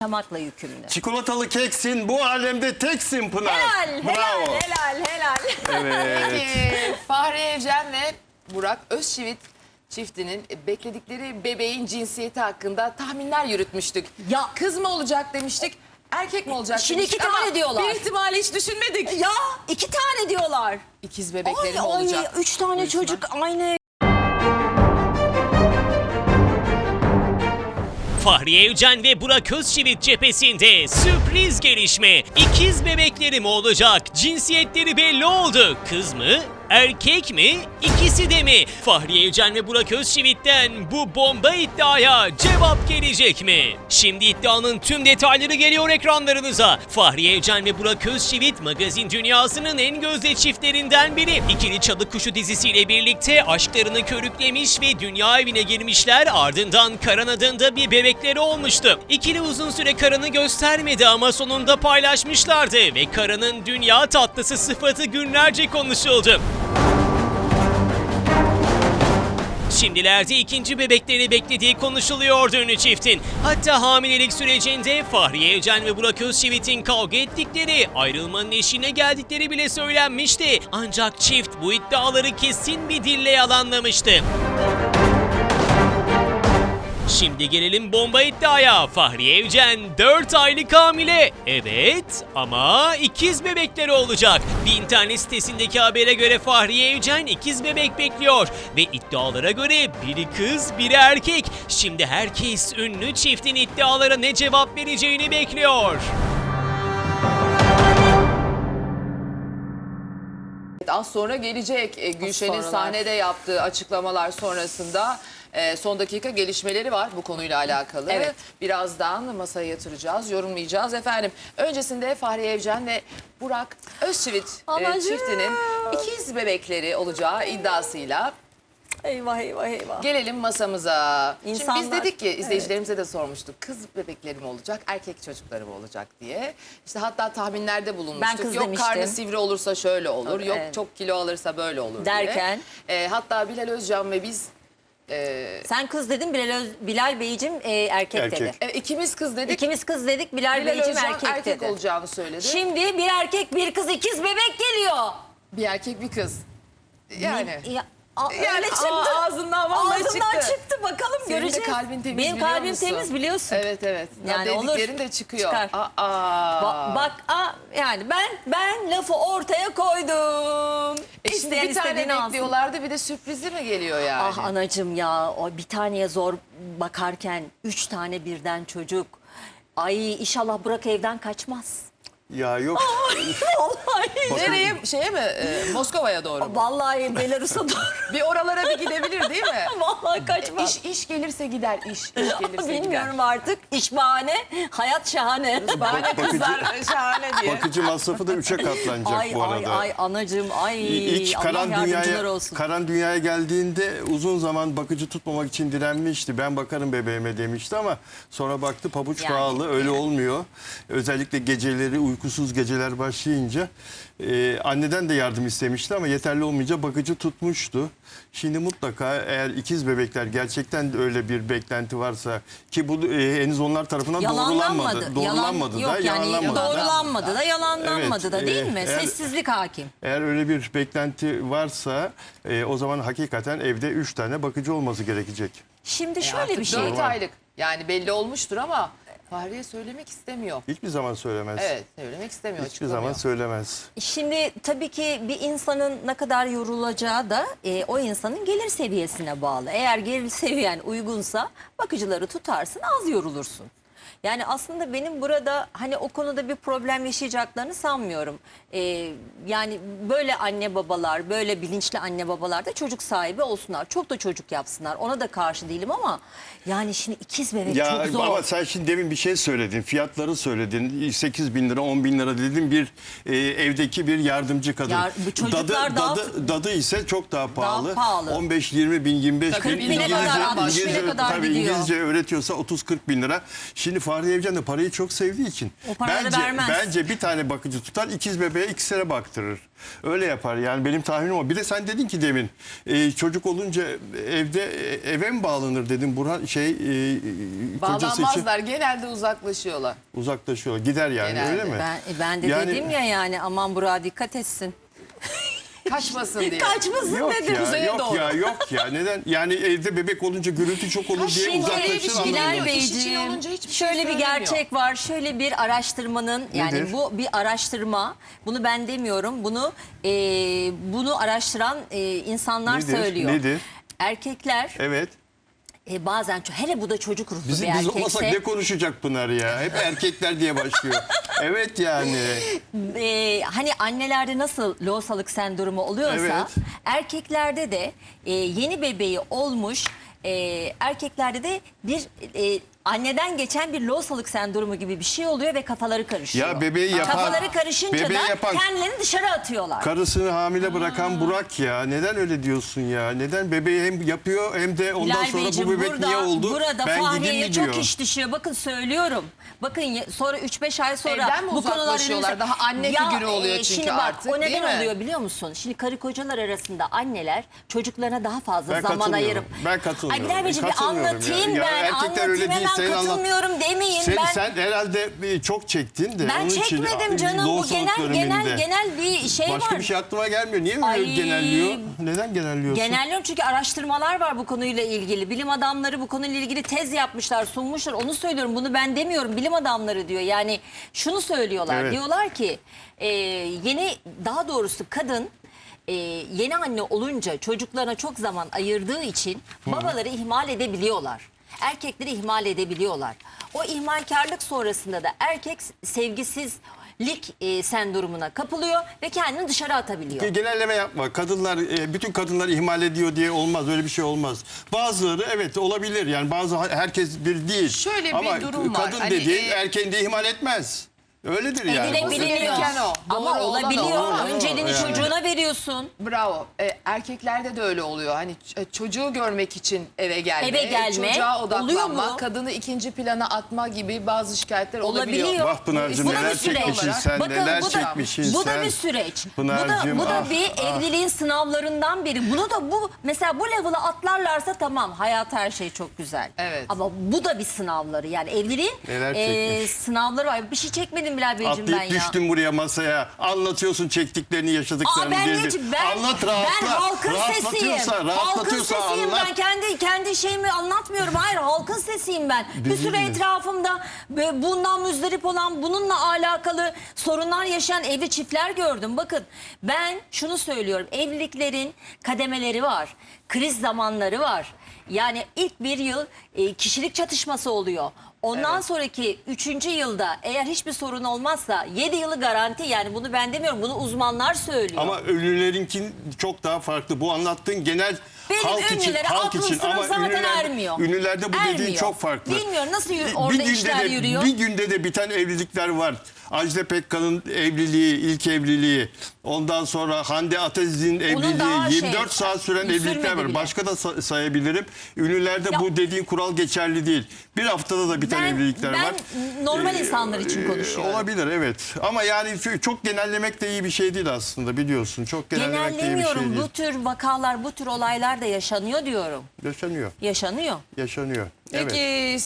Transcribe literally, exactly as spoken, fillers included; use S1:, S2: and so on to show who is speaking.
S1: yaşamakla yükümlü.
S2: Çikolatalı keksin, bu alemde teksin Pınar.
S1: Helal,
S2: Bravo.
S1: helal, helal, helal.
S2: Evet.
S3: Peki Fahri Evcen ve Burak Özçivit çiftinin bekledikleri bebeğin cinsiyeti hakkında tahminler yürütmüştük.
S1: Ya.
S3: Kız mı olacak demiştik, erkek mi olacak
S1: Şimdi
S3: demiştik
S1: iki tane
S3: ama
S1: diyorlar.
S3: bir ihtimali hiç düşünmedik.
S1: Ya iki tane diyorlar.
S3: İkiz bebekleri mi
S1: Ay, ay,
S3: olacak?
S1: üç tane
S3: Buyursunlar.
S1: çocuk aynı.
S4: Fahri Evcen ve Burak Özçivit cephesinde sürpriz gelişme. İkiz bebekleri mi olacak? Cinsiyetleri belli oldu. Kız mı? Erkek mi? İkisi de mi? Fahri Evcen ve Burak Özçivit'ten bu bomba iddiaya cevap gelecek mi? Şimdi iddianın tüm detayları geliyor ekranlarınıza. Fahri Evcen ve Burak Özçivit magazin dünyasının en gözde çiftlerinden biri. İkili Çalı Kuşu dizisiyle birlikte aşklarını körüklemiş ve dünya evine girmişler, ardından Karan adında bir bebekleri olmuştu. İkili uzun süre Karan'ı göstermedi ama sonunda paylaşmışlardı ve Karan'ın dünya tatlısı sıfatı günlerce konuşuldu. Şimdilerde ikinci bebekleri beklediği konuşuluyordu ünlü çiftin. Hatta hamilelik sürecinde Fahri Evcen ve Burak Özçivit'in kavga ettikleri, ayrılmanın eşiğine geldikleri bile söylenmişti. Ancak çift bu iddiaları kesin bir dille yalanlamıştı. Şimdi gelelim bomba iddiaya. Fahri Evcen dört aylık hamile. Evet ama ikiz bebekleri olacak. Bir internet sitesindeki habere göre Fahri Evcen ikiz bebek bekliyor. Ve iddialara göre biri kız biri erkek. Şimdi herkes ünlü çiftin iddialara ne cevap vereceğini bekliyor.
S3: Az sonra gelecek e, Gülşen'in
S1: sonralar.
S3: sahnede yaptığı açıklamalar sonrasında e, son dakika gelişmeleri var bu konuyla alakalı.
S1: Evet.
S3: Birazdan masaya yatıracağız, yorumlayacağız efendim. Öncesinde Fahri Evcen ve Burak Özçivit e,
S1: Anacığım.
S3: çiftinin ikiz bebekleri olacağı iddiasıyla
S1: Eyvah eyvah eyvah.
S3: gelelim masamıza. Şimdi
S1: İnsanlar-
S3: biz dedik ki izleyicilerimize de sormuştuk. Kız bebekleri mi olacak, erkek çocukları mı olacak diye. İşte hatta tahminlerde bulunmuştuk.
S1: Ben kız
S3: Yok
S1: demiştim.
S3: karnı sivri olursa şöyle olur, yok
S1: Evet.
S3: çok kilo alırsa böyle olur
S1: Derken?
S3: diye. E, hatta Bilal Özcan ve biz
S1: Sen kız dedin, Bilal, Öz- Bilal Beyciğim e, erkek,
S2: Erkek.
S1: dedi.
S3: e, ikimiz kız dedik.
S1: İkimiz kız dedik, Bilal,
S3: Bilal
S1: Beyciğim
S3: Özcan
S1: erkek,
S3: erkek,
S1: dedi.
S3: olacağını söyledi.
S1: Şimdi bir erkek bir kız ikiz bebek geliyor.
S3: Bir erkek bir kız. Yani.
S1: Ya, a-
S3: Yani
S1: öyle çıktı.
S3: aa, ağzından vallahi
S1: Ağzından
S3: çıktı.
S1: çıktı. Bakalım
S3: Senin de
S1: göreceğiz.
S3: kalbin temiz
S1: Benim
S3: biliyor
S1: kalbim
S3: musun?
S1: temiz biliyorsun.
S3: Evet evet.
S1: Yani
S3: Ya
S1: olur.
S3: dediklerin de çıkıyor.
S1: Çıkar.
S3: Aa.
S1: Ba- bak a, yani ben ben lafı ortaya koydum.
S3: E şimdi
S1: İsteyen
S3: bir tane
S1: istediğini alsın.
S3: bekliyorlardı bir de sürprizi mi geliyor yani?
S1: Ah anacığım ya, o bir taneye zor bakarken üç tane birden çocuk. Ay inşallah Burak evden kaçmaz.
S2: Ya yok.
S1: Vallahi.
S3: Nereye? Şeye mi? E, Moskova'ya doğru mu?
S1: Vallahi Belarus'a doğru.
S3: Bir oralara bir gidebilir değil mi?
S1: Vallahi kaçmaz.
S3: İş, iş gelirse gider. İş, iş gelirse
S1: Bilmiyorum artık. İş bahane, hayat şahane.
S3: gider. Bahane
S2: Bakıcı-
S3: kızlar şahane diye.
S2: Bakıcı masrafı da üçe katlanacak
S1: Ay
S2: bu
S1: ay
S2: arada.
S1: ay anacığım ay.
S2: İlk
S1: Allah
S2: Karan
S1: yardımcılar
S2: dünyaya,
S1: olsun.
S2: Karan dünyaya geldiğinde uzun zaman bakıcı tutmamak için direnmişti. Ben bakarım bebeğime demişti ama sonra baktı pabuç
S1: Yani,
S2: pahalı, öyle
S1: yani.
S2: olmuyor. Özellikle geceleri, uykusuz geceler başlayınca e, anneden de yardım istemişti ama yeterli olmayınca bakıcı tutmuştu. Şimdi mutlaka eğer ikiz bebekler gerçekten de öyle bir beklenti varsa ki bu e, henüz onlar tarafından
S1: Yalanlanmadı.
S2: doğrulanmadı. Doğrulanmadı
S1: Yalan,
S2: da,
S1: yok yani
S2: yalanlanmadı da.
S1: doğrulanmadı da, yalanlanmadı
S2: Evet,
S1: da değil
S2: e,
S1: mi?
S2: eğer-
S1: Sessizlik hakim.
S2: Eğer öyle bir beklenti varsa e, o zaman hakikaten evde üç tane bakıcı olması gerekecek.
S1: Şimdi şöyle
S3: Artık
S1: bir şey.
S3: dört aylık. Yani belli olmuştur ama Fahriye söylemek istemiyor.
S2: Hiçbir zaman söylemez.
S3: Evet, söylemek istemiyor.
S2: Hiçbir
S3: açıklamıyor.
S2: zaman söylemez.
S1: Şimdi tabii ki bir insanın ne kadar yorulacağı da e, o insanın gelir seviyesine bağlı. Eğer gelir seviyen uygunsa bakıcıları tutarsın, az yorulursun. Yani aslında benim burada hani o konuda bir problem yaşayacaklarını sanmıyorum. E, yani böyle anne babalar, böyle bilinçli anne babalar da çocuk sahibi olsunlar. Çok da çocuk yapsınlar. Ona da karşı değilim ama yani şimdi ikiz bebek
S2: Ya
S1: çok zor.
S2: ama sen şimdi demin bir şey söyledin. Fiyatları söyledin. sekiz bin lira, on bin lira dedin. Bir e, evdeki bir yardımcı kadın.
S1: Ya, bu çocuklar
S2: dadı,
S1: daha-
S2: dadı, dadı ise çok daha pahalı.
S1: pahalı.
S2: on beş yirmi bin, yirmi beş
S3: Kırk
S2: bin.
S3: bine kadar,
S2: İngilizce,
S3: altmış bine
S2: İngilizce,
S1: kadar
S2: tabii
S1: gidiyor.
S2: İngilizce öğretiyorsa otuz kırk bin lira. Şimdi Fahriye Evcen de parayı çok sevdiği için
S1: O paraları
S2: bence,
S1: vermez.
S2: bence bir tane bakıcı tutar, ikiz bebeğe ikisine baktırır. Öyle yapar yani, benim tahminim o. Bir de sen dedin ki demin e, çocuk olunca evde e, eve mi bağlanır dedim. Burhan şey e, kocası için
S3: Bağlanmazlar. Genelde uzaklaşıyorlar.
S2: uzaklaşıyor. Gider yani,
S3: Genelde.
S2: öyle mi?
S1: Ben, e, ben de
S2: Yani-
S1: dedim ya yani aman Burak'a dikkat etsin.
S3: Kaçmasın diye.
S1: Kaçmasın
S2: Yok
S1: dedim.
S2: ya,
S3: Kuzeye
S2: yok
S3: doğru.
S2: ya, yok ya. Neden? Yani evde bebek olunca gürültü çok olur diye
S1: Şimdi
S2: uzaklaşır
S1: Bilal
S2: anlamında.
S3: Bey- İş için
S1: Beyciğim,
S3: olunca hiçbir şey
S1: şöyle bir
S3: söylemiyor.
S1: gerçek var. Şöyle bir araştırmanın, yani
S2: Nedir?
S1: bu bir araştırma. Bunu ben demiyorum. Bunu e, bunu araştıran e, insanlar
S2: Nedir?
S1: söylüyor.
S2: Nedir?
S1: Erkekler
S2: Evet.
S1: e, bazen ço- hele bu da çocuk ruhlu
S2: Biz,
S1: bir
S2: biz olmasak
S1: erkekse
S2: ne konuşacak Pınar ya? Hep erkekler diye başlıyor. Evet yani.
S1: e, hani annelerde nasıl lohusalık sendromu oluyorsa
S2: Evet.
S1: erkeklerde de e, yeni bebeği olmuş e, erkeklerde de bir e, anneden geçen bir lohusalık sendromu gibi bir şey oluyor ve kafaları karışıyor.
S2: Ya bebeği yapan-
S1: Kafaları karışınca
S2: bebeği
S1: da
S2: yapan-
S1: kendilerini dışarı atıyorlar.
S2: Karısını hamile bırakan Burak ya. Neden öyle diyorsun ya? Neden bebeği hem yapıyor hem de ondan
S1: Bilal
S2: sonra
S1: Beyciğim,
S2: bu bebek
S1: burada,
S2: niye oldu?
S1: Burada
S2: ben gideyim
S1: Fahriye'ye
S2: mi diyor.
S1: çok iş düşüyor. Bakın söylüyorum. Bakın ya- sonra üç beş ay sonra
S3: Evden mi
S1: bu konular
S3: uzaklaşıyorlar?
S1: önümüze-
S3: Daha anne figürü oluyor çünkü
S1: şimdi bak,
S3: artık,
S1: o
S3: değil
S1: neden
S3: mi?
S1: oluyor biliyor musun? Şimdi karı kocalar arasında anneler çocuklarına daha fazla
S2: Ben
S1: zaman
S2: katılmıyorum.
S1: ayırıp.
S2: Ben katılmıyorum.
S1: Ay Bilal Beyciğim bir
S2: Katılmıyorum ya.
S1: anlatayım
S2: Ya
S1: ben.
S2: erkekler öyle
S1: Anlatayım
S2: değil,
S1: hemen
S2: senin anlat-
S1: katılmıyorum demeyin.
S2: Sen,
S1: ben
S2: sen herhalde e, çok çektin de.
S1: ben
S2: onun için,
S1: çekmedim
S2: e,
S1: canım. Bu
S2: lohusalık
S1: genel genel
S2: döneminde.
S1: genel bir şey
S2: Başka
S1: var.
S2: bir şey aklıma gelmiyor. Niye böyle
S1: Ay.
S2: genelliyor? Neden genelliyorsun?
S1: Genelliyorum çünkü araştırmalar var bu konuyla ilgili. Bilim adamları bu konuyla ilgili tez yapmışlar, sunmuşlar. Onu söylüyorum. Bunu ben demiyorum. Bilim adamları diyor. Yani şunu söylüyorlar.
S2: Evet.
S1: Diyorlar ki e, yeni daha doğrusu kadın e, yeni anne olunca çocuklarına çok zaman ayırdığı için babaları ihmal edebiliyorlar. Erkekleri ihmal edebiliyorlar. O ihmalkarlık sonrasında da erkek sevgisizlik e, sendromuna kapılıyor ve kendini dışarı atabiliyor.
S2: Genelleme yapma. Kadınlar, e, bütün kadınlar ihmal ediyor diye olmaz. Öyle bir şey olmaz. Bazıları evet olabilir. Yani bazı herkes bir değil.
S3: Şöyle bir
S2: Ama
S3: durum var.
S2: kadın
S3: Hani,
S2: dediğin
S3: e,
S2: erkeğini de ihmal etmez. Öyledir yani.
S1: Evine
S3: Olması
S1: biliniyor.
S3: gereken o.
S1: Ama
S3: Doğru olan o.
S1: olabiliyor.
S3: Ama-
S1: Önceliğini
S2: Yani.
S1: çocuğuna veriyorsun.
S3: Bravo. E, erkeklerde de öyle oluyor. Hani ç- e, çocuğu görmek için eve gelme,
S1: Eve gelme.
S3: çocuğa
S1: Oluyor
S3: odaklanma,
S1: mu?
S3: kadını ikinci plana atma gibi bazı şikayetler olabiliyor.
S1: Olabiliyor.
S2: Vah Pınar'cığım,
S1: Bu da
S2: neler
S1: bir süreç.
S2: çekmişsin sen,
S1: Bakın,
S2: neler
S1: bu da,
S2: çekmişsin
S1: bu da
S2: sen.
S1: bir süreç.
S2: Pınar'cığım,
S1: bu da, bu da
S2: ah,
S1: bir
S2: ah.
S1: evliliğin sınavlarından biri. Bunu da bu mesela bu level'ı atlarlarsa tamam, hayat her şey çok güzel.
S3: Evet.
S1: Ama bu da bir sınavları. Yani evliliğin
S2: Neler
S1: e,
S2: çekmiş.
S1: sınavları var. Bir şey çekmedim Bilal Beyciğim ben
S2: Atlayıp
S1: ya.
S2: düştün buraya masaya. Anlatıyorsun çektiklerini, yaşadıklarını.
S1: Aa, ben,
S2: bir
S1: ne,
S2: bir.
S1: ben,
S2: Anlat, rahatla.
S1: ben halkın sesiyim.
S2: Rahatlatıyorsa,
S1: Halkın
S2: rahatlatıyorsa
S1: sesiyim
S2: anlat.
S1: ben. Kendi kendi şeyimi anlatmıyorum. Hayır, halkın sesiyim ben. Bir
S2: Bizim
S1: süre
S2: mi?
S1: etrafımda ve bundan müzdarip olan, bununla alakalı sorunlar yaşayan evli çiftler gördüm. Bakın ben şunu söylüyorum. Evliliklerin kademeleri var. Kriz zamanları var. Yani ilk bir yıl e, kişilik çatışması oluyor. Ondan
S3: Evet.
S1: sonraki üçüncü yılda eğer hiçbir sorun olmazsa yedi yılı garanti, yani bunu ben demiyorum, bunu uzmanlar söylüyor.
S2: Ama ünlülerinkin çok daha farklı. Bu anlattığın genel
S1: Benim
S2: halk için,
S1: ünlülere
S2: halk
S1: aklım
S2: için
S1: sırrım
S2: ama
S1: zaten
S2: ünlülerde,
S1: ermiyor.
S2: ünlülerde bu dediğin
S1: Ermiyor.
S2: çok farklı.
S1: Bilmiyorum nasıl yürü-
S2: Bir-
S1: orada
S2: bir günde
S1: işler
S2: de,
S1: yürüyor.
S2: Bir günde de biten evlilikler var. Ajda Pekkan'ın evliliği, ilk evliliği. Ondan sonra Hande Ataziz'in evliliği.
S1: daha şey,
S2: yirmi dört saat süren
S1: sürmedi
S2: evlilikler var.
S1: bile.
S2: Başka da sa- sayabilirim. Ünlülerde
S1: Ya-
S2: bu dediğin kural geçerli değil. Bir haftada da biten
S1: Ben-
S2: evlilikler
S1: ben
S2: var.
S1: normal
S2: Ee,
S1: insanlar için
S2: e,
S1: konuşuyorum.
S2: Olabilir evet. Ama yani çok genellemek de iyi bir şey değil aslında, biliyorsun. Çok genellemek de iyi bir şey
S1: Genellemiyorum.
S2: değil.
S1: Bu tür vakalar, bu tür olaylar da yaşanıyor diyorum.
S2: Yaşanıyor.
S1: Yaşanıyor.
S2: Yaşanıyor. Evet.
S3: Peki